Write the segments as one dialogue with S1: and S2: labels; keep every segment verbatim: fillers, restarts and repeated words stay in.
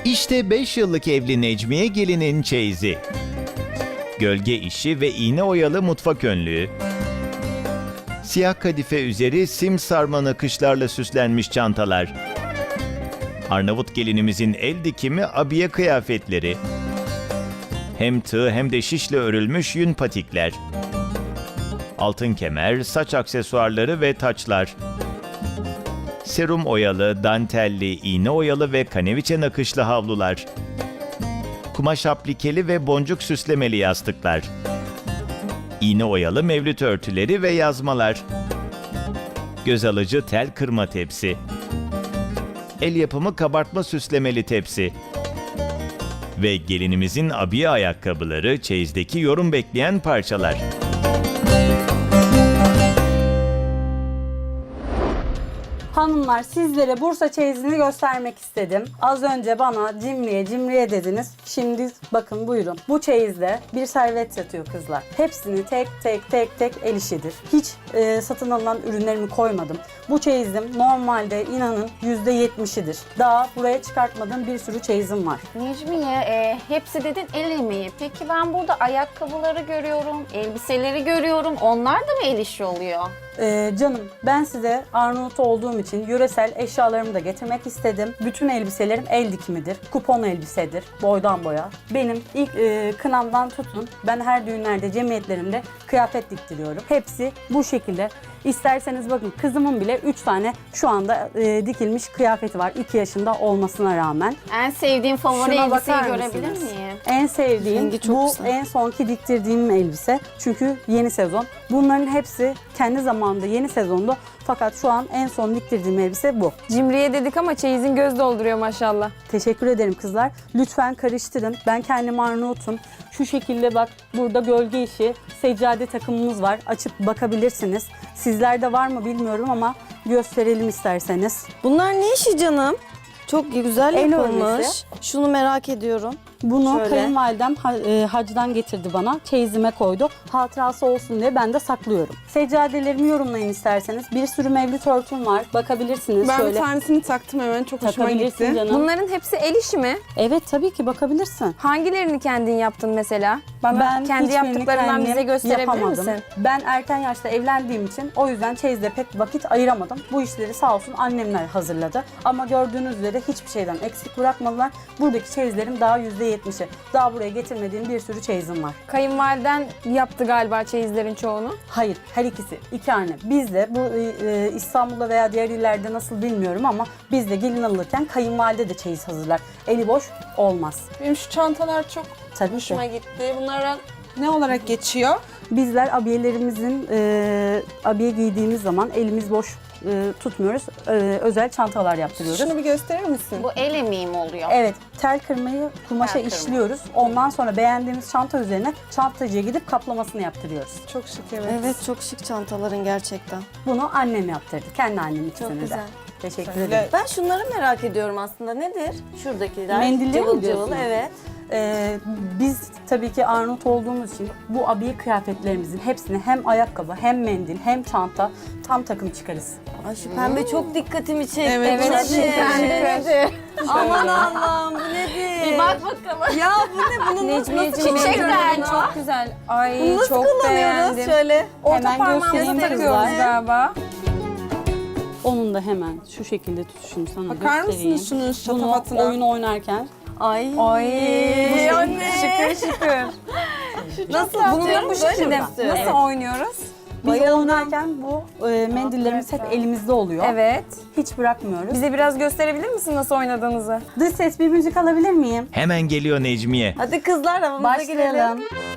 S1: İşte beş yıllık evli Necmiye gelinin çeyizi. Gölge işi ve iğne oyalı mutfak önlüğü. Siyah kadife üzeri sim sarma nakışlarla süslenmiş çantalar. Arnavut gelinimizin el dikimi abiye kıyafetleri. Hem tığ hem de şişle örülmüş yün patikler. Altın kemer, saç aksesuarları ve taçlar. Serum oyalı, dantelli, iğne oyalı ve kaneviçe nakışlı havlular. Kumaş aplikeli ve boncuk süslemeli yastıklar. İğne oyalı mevlüt örtüleri ve yazmalar. Göz alıcı tel kırma tepsi. El yapımı kabartma süslemeli tepsi. Ve gelinimizin abiye ayakkabıları, çeyizdeki yorum bekleyen parçalar.
S2: Hanımlar, sizlere Bursa çeyizini göstermek istedim. Az önce bana cimriye cimriye dediniz. Şimdi bakın buyurun. Bu çeyizde bir servet yatıyor kızlar. Hepsini tek tek tek tek el işidir. Hiç e, satın alınan ürünlerimi koymadım. Bu çeyizim normalde inanın yüzde yetmişidir. Daha buraya çıkartmadığım bir sürü çeyizim var.
S3: Necmiye, e, hepsi dedin el emeği. Peki ben burada ayakkabıları görüyorum, elbiseleri görüyorum. Onlar da mı el işi oluyor?
S2: Ee, canım, ben size Arnavut olduğum için yöresel eşyalarımı da getirmek istedim. Bütün elbiselerim el dikimidir. Kupon elbisedir. Boydan boya. Benim ilk e, kınamdan tutun. Ben her düğünlerde, cemiyetlerimde kıyafet diktiriyorum. Hepsi bu şekilde. İsterseniz bakın, kızımın bile üç tane şu anda e, dikilmiş kıyafeti var. iki yaşında olmasına rağmen.
S3: En sevdiğim favori
S2: Şuna
S3: elbiseyi
S2: bakar
S3: görebilir
S2: mısınız?
S3: miyim?
S2: En sevdiğim
S4: Rengi çok
S2: bu
S4: güzel.
S2: en sonki diktirdiğim elbise. Çünkü yeni sezon. Bunların hepsi kendi zamanında yeni sezonda. Fakat şu an en son diktirdiğim elbise bu.
S4: Cimriye dedik ama çeyizin göz dolduruyor maşallah.
S2: Teşekkür ederim kızlar. Lütfen karıştırın. Ben kendim Arnavut'um. Şu şekilde bak, burada gölge işi, seccade takımımız var. Açıp bakabilirsiniz. Sizlerde var mı bilmiyorum ama gösterelim isterseniz.
S4: Bunlar ne işi canım? Çok güzel
S2: El
S4: yapılmış.
S2: örmesi.
S4: Şunu merak ediyorum.
S2: Bunu
S4: Şöyle.
S2: kayınvalidem ha- e, hacdan getirdi bana. Çeyizime koydu. Hatırası olsun diye ben de saklıyorum. Seccadelerimi yorumlayın isterseniz. Bir sürü mevlüt örtüm var. Bakabilirsiniz
S5: Ben
S2: şöyle.
S5: bir tanesini taktım hemen. Çok hoşuma
S2: Takabilirsin
S5: gitti.
S2: canım.
S4: Bunların hepsi el işi mi?
S2: Evet, tabii ki bakabilirsin.
S4: Hangilerini kendin yaptın mesela? Bana kendi
S2: hiçbirini
S4: yaptıklarından
S2: kendim
S4: bize gösterebilir
S2: yapamadım.
S4: misin?
S2: Ben erken yaşta evlendiğim için o yüzden çeyizde pek vakit ayıramadım. Bu işleri sağ olsun annemler hazırladı. Ama gördüğünüz üzere hiçbir şeyden eksik bırakmadılar. Buradaki çeyizlerim daha yüzde yetmişi. Daha buraya getirmediğim bir sürü çeyizim var.
S4: Kayınvaliden yaptı galiba çeyizlerin çoğunu.
S2: Hayır, her ikisi. iki anne. Biz de bu e, İstanbul'da veya diğer illerde nasıl bilmiyorum ama biz de gelin alırken kayınvalide de çeyiz hazırlar. Eli boş olmaz.
S5: Benim şu çantalar çok
S2: Tabii
S5: hoşuma
S2: ki.
S5: gitti. Bunlara ne olarak geçiyor?
S2: Bizler abiyelerimizin e, abiye giydiğimiz zaman elimiz boş e, tutmuyoruz. E, özel çantalar yaptırıyoruz.
S5: Şunu bir gösterir misin?
S3: Bu el emeği mi oluyor?
S2: Evet, tel kırmayı kumaşa
S3: Tel kırma.
S2: işliyoruz. Ondan sonra beğendiğimiz çanta üzerine çantacıya gidip kaplamasını yaptırıyoruz.
S5: Çok şık, evet.
S4: Evet, çok şık çantaların gerçekten.
S2: Bunu annem yaptırdı. Kendi annem ikisini de.
S4: güzel.
S2: Teşekkür
S5: Güzel.
S2: ederim.
S4: Ben şunları merak ediyorum aslında. Nedir? Şuradakiler.
S2: Mendilleri mi
S4: cıvıl
S2: diyorsun?
S4: cıvıl, evet.
S2: Ee, biz tabii ki Arnavut olduğumuz için bu abiye kıyafetlerimizin hepsini hem ayakkabı hem mendil hem çanta tam takım çıkarız.
S4: Ay şu pembe çok dikkatimi çekti.
S5: Evet,
S4: Bu
S5: çok
S4: nedir?
S5: şık.
S3: Nedir?
S4: Aman Allah'ım, bu nedir?
S3: Bir bak bakalım.
S4: Ya bu ne? Bunu nasıl, nasıl
S3: Çiçek
S4: kullanıyoruz?
S3: derdi.
S4: Çok güzel. Ay
S5: Bunu nasıl
S4: çok
S5: kullanıyoruz?
S4: beğendim.
S5: Şöyle.
S4: Orta
S2: Hemen
S4: parmağımıza
S2: göstereyim
S4: takıyoruz
S2: kızlar.
S4: galiba.
S2: Onun da hemen şu şekilde tutuşunu sana
S5: Bakar
S2: göstereyim.
S5: mısınız şunun
S2: Bunu
S5: şatafatına?
S2: oyun oynarken
S4: Ay.
S5: Ay,
S4: anne. Şıkır şıkır. Nasıl bunu
S5: yapıyorum,
S4: bu
S5: böyle
S4: şekilde
S5: mi?
S4: nasıl
S2: Evet.
S4: oynuyoruz?
S2: biz oynarken bu e, mendillerimiz hep elimizde oluyor.
S4: Evet.
S2: Hiç bırakmıyoruz.
S4: Bize biraz gösterebilir misin nasıl oynadığınızı?
S2: Dış ses, bir müzik alabilir miyim?
S1: Hemen geliyor Necmiye.
S4: Hadi kızlar havamıza girelim.
S2: Başlayalım.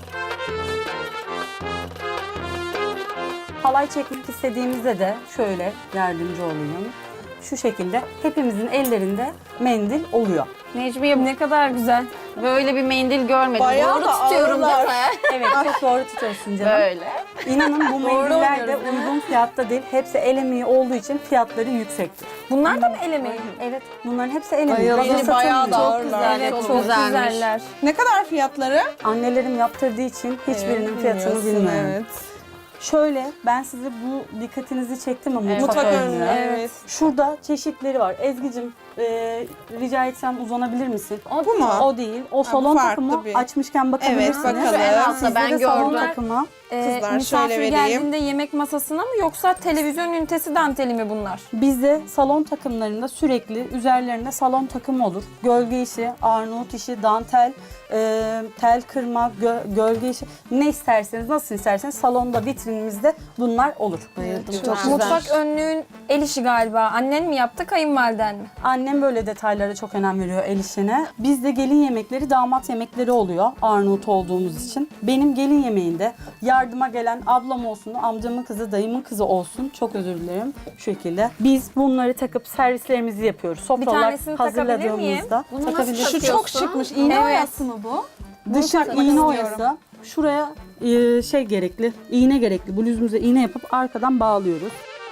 S2: Halay çekmek istediğimizde de şöyle yardımcı olayım. Şu şekilde hepimizin ellerinde mendil oluyor.
S3: Necmiye,
S4: Ne kadar güzel.
S3: böyle bir mendil görmedim.
S5: Bayağı
S3: Doğru
S5: da
S3: tutuyorum değil
S5: ağırlar.
S3: mi?
S2: Evet, çok doğru tutuyorsun canım.
S3: Böyle.
S2: İnanın bu mendiller de
S4: oynuyoruz,
S2: uygun fiyatta değil. Hepsi el emeği olduğu için fiyatları yüksektir.
S4: Bunlar da mı el emeği?
S2: Evet, bunların hepsi el emeği.
S4: Bayıldım.
S2: Hazır
S5: Bayağı da
S2: satılmıyor.
S5: ağırlar.
S4: Evet,
S3: çok
S4: çok,
S3: güzelmiş.
S4: güzeller.
S5: Ne kadar fiyatları?
S2: Annelerim yaptırdığı için hiçbirinin
S5: Evet,
S2: fiyatını
S5: bilmiyorsun,
S2: bilmiyorum.
S5: Evet.
S2: Şöyle, ben size bu dikkatinizi çektim ama
S3: Evet.
S2: mutfak
S5: Mutfak
S2: önlüğü.
S5: önlüğü, evet.
S2: Şurada çeşitleri var. Ezgi'cim e, rica etsem uzanabilir misin?
S3: O,
S5: Bu mu?
S2: O değil. O
S5: bu
S2: salon
S5: farklı
S2: takımı
S5: bir-
S2: açmışken bakabilirsiniz.
S5: Evet, bakalım.
S3: En altta
S2: Sizde
S3: ben
S2: de salon
S3: gördüm.
S2: takımı.
S4: Ee,
S5: Kızlar
S4: misafir
S5: şöyle vereyim.
S4: geldiğinde yemek masasına mı yoksa televizyon ünitesi danteli mi bunlar?
S2: Bizde salon takımlarında sürekli üzerlerinde salon takımı olur. Gölge işi, Arnavut işi, dantel, e, tel kırma, gö- gölge işi. Ne isterseniz, nasıl isterseniz salonda, vitrinimizde bunlar olur.
S5: Çok güzel.
S4: Mutfak önlüğün el işi galiba. Annen mi yaptı, kayınvaliden mi?
S2: Annem böyle detaylara çok önem veriyor el işine. Bizde gelin yemekleri damat yemekleri oluyor Arnavut olduğumuz için. Benim gelin yemeğinde yardıma gelen ablam olsun, amcamın kızı, dayımın kızı olsun. Çok özür dilerim. Şu şekilde. Biz bunları takıp servislerimizi yapıyoruz. Sofralar
S4: tanesini takabilir miyim?
S2: hazırladığımızda.
S3: Bunu nasıl
S2: takabilirsiniz.
S5: Şu
S3: takıyorsun?
S5: çok şıkmış. İğne
S4: Evet.
S5: oyası mı bu?
S2: Dışı
S4: takmak
S2: iğne
S4: istiyorum.
S2: oyası. Şuraya e, şey gerekli, iğne gerekli. Bluzumuza iğne yapıp arkadan bağlıyoruz.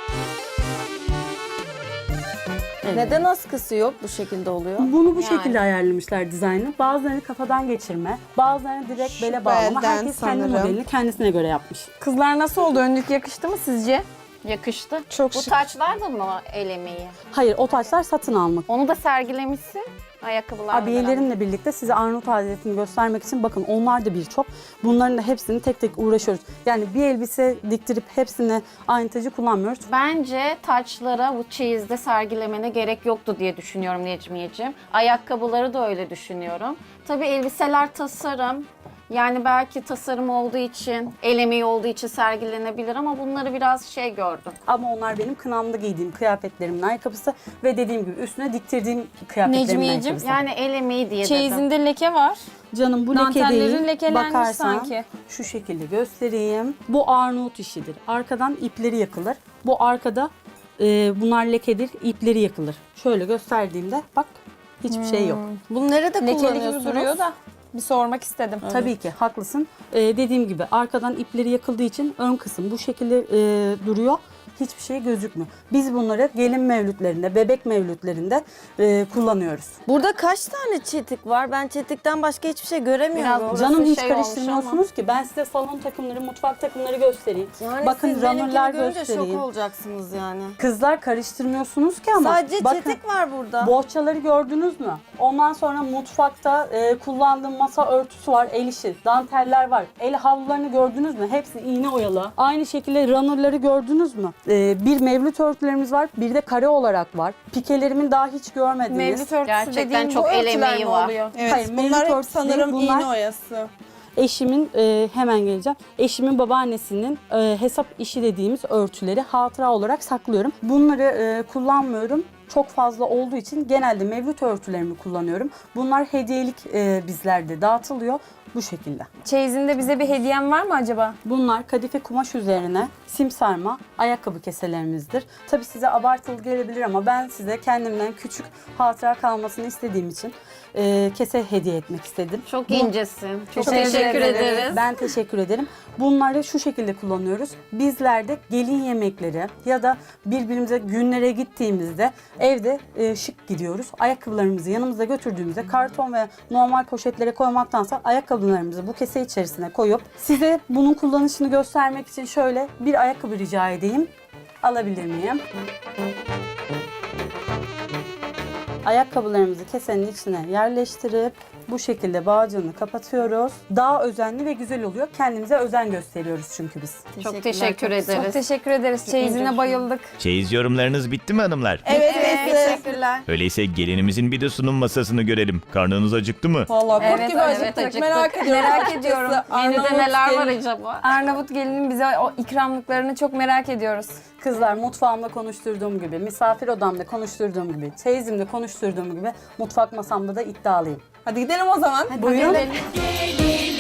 S2: Evet.
S6: Neden askısı yok bu şekilde oluyor?
S2: Bunu bu
S3: Yani.
S2: şekilde ayarlamışlar dizaynı. Bazılarını kafadan geçirme, bazılarını direkt
S5: Şu
S2: bele bağlama.
S5: belden
S2: Herkes kendi
S5: sanırım.
S2: modelini kendisine göre yapmış.
S4: Kızlar nasıl oldu? Önlük yakıştı mı sizce?
S3: Yakıştı.
S4: Çok
S3: Bu
S4: şık.
S3: taçlar da mı el emeği?
S2: Hayır, o taçlar satın almak.
S3: Onu da sergilemişsin. Ayakkabılarla beraber.
S2: Abiyelerimle birlikte size Arnavut adetini göstermek için bakın onlar da birçok. Bunların da hepsini tek tek uğraşıyoruz. Yani bir elbise diktirip hepsine aynı tacı kullanmıyoruz.
S3: Bence taçlara bu çeyizde sergilemene gerek yoktu diye düşünüyorum Necmiyeciğim. Ayakkabıları da öyle düşünüyorum. Tabii elbiseler tasarım. Yani belki tasarım olduğu için, el emeği olduğu için sergilenebilir ama bunları biraz şey gördüm.
S2: Ama onlar benim kınamda giydiğim kıyafetlerimin ayakkabısı ve dediğim gibi üstüne diktirdiğim kıyafetlerimin
S4: Necmiyeciğim,
S2: ayakkabısı.
S3: Yani el emeği diye dedim.
S4: Çeyizinde leke var.
S2: Canım bu leke
S4: Dantellerin
S2: değil.
S4: lekelenmiş
S2: Bakarsan
S4: sanki.
S2: şu şekilde göstereyim. Bu Arnavut işidir. Arkadan ipleri yakılır. Bu arkada e, bunlar lekedir. İpleri yakılır. Şöyle gösterdiğimde bak hiçbir şey yok.
S6: Bunu nerede
S4: Lekeli gibi
S6: kullanıyorsunuz?
S4: duruyor da bir sormak istedim.
S2: Tabii ki haklısın. Ee, dediğim gibi arkadan ipleri yakıldığı için ön kısım bu şekilde e, duruyor. Hiçbir şey gözükmüyor. Biz bunları gelin mevlütlerinde, bebek mevlütlerinde e, kullanıyoruz.
S6: Burada kaç tane çetik var? Ben çetikten başka hiçbir şey göremiyorum.
S3: Biraz
S2: Canım hiç
S3: şey olmuş
S2: karıştırmıyorsunuz ki. Ben size salon takımları, mutfak takımları göstereyim.
S6: Yani
S2: Bakın
S6: siz
S2: runner'lar
S6: benimkini görünce
S2: göstereyim.
S6: şok olacaksınız yani.
S2: Kızlar karıştırmıyorsunuz ki ama.
S6: Sadece
S2: bakın,
S6: çetik var burada.
S2: bohçaları gördünüz mü? Ondan sonra mutfakta e, kullandığım masa örtüsü var, el işi, danteller var. El havlularını gördünüz mü? Hepsi iğne oyalı. Aynı şekilde runner'ları gördünüz mü? E, bir mevlüt örtülerimiz var, bir de kare olarak var. Pikelerimin daha hiç görmediniz.
S4: Mevlüt örtüsü
S3: Gerçekten
S4: dediğin
S3: çok
S4: bu
S3: el
S4: örtüler
S3: emeği
S4: mi
S3: var.
S4: oluyor?
S5: Evet,
S2: Hayır,
S5: bunlar
S2: mevlüt
S5: hep
S2: örtüsü
S5: sanırım
S2: değil, bunlar-
S5: iğne oyası.
S2: Eşimin, e, hemen geleceğim. Eşimin babaannesinin e, hesap işi dediğimiz örtüleri hatıra olarak saklıyorum. Bunları e, kullanmıyorum. Çok fazla olduğu için genelde mevlüt örtülerimi kullanıyorum. Bunlar hediyelik e, bizlerde dağıtılıyor. Bu şekilde.
S4: Çeyizinde bize bir hediyen var mı acaba?
S2: Bunlar kadife kumaş üzerine sim sarma ayakkabı keselerimizdir. Tabii size abartılı gelebilir ama ben size kendimden küçük hatıra kalmasını istediğim için e, kese hediye etmek istedim.
S3: Çok
S2: Bu-
S3: incesin. Çok
S4: Teşekkür
S3: teşekkür
S4: ederiz.
S3: ederiz.
S2: Ben teşekkür ederim. Bunları şu şekilde kullanıyoruz. Bizlerde gelin yemekleri ya da birbirimize günlere gittiğimizde evde e, şık gidiyoruz. Ayakkabılarımızı yanımıza götürdüğümüzde karton ve normal poşetlere koymaktansa ayakkabılarımızı bu kese içerisine koyup size bunun kullanışını göstermek için şöyle bir ayakkabı rica edeyim. Alabilir miyim? Ayakkabılarımızı kesenin içine yerleştirip bu şekilde bağcığını kapatıyoruz. Daha özenli ve güzel oluyor. Kendimize özen gösteriyoruz çünkü biz.
S3: Çok teşekkür
S4: Çok
S3: ederiz.
S4: teşekkür ederiz. Çeyizine bayıldık.
S1: Çeyiz yorumlarınız bitti mi hanımlar?
S5: Evet,
S6: Evet,
S5: evet.
S6: teşekkürler.
S1: Öyleyse gelinimizin bir de sunum masasını görelim. Karnınız acıktı mı?
S5: Valla kurt
S4: Evet,
S5: gibi
S4: evet,
S5: acıktık.
S3: acıktık.
S5: Merak ediyorum.
S4: Merak ediyorum.
S3: Menüde
S5: Arnavut
S3: neler var
S5: gelin.
S3: acaba?
S4: Arnavut gelinin bize o ikramlıklarını çok merak ediyoruz.
S2: Kızlar mutfağımda konuşturduğum gibi, misafir odamda konuşturduğum gibi, çeyizimde konuşturduğum gibi mutfak masamda da iddialıyım.
S5: Hadi gidelim o zaman.
S2: Buyurun.
S3: Gidelim.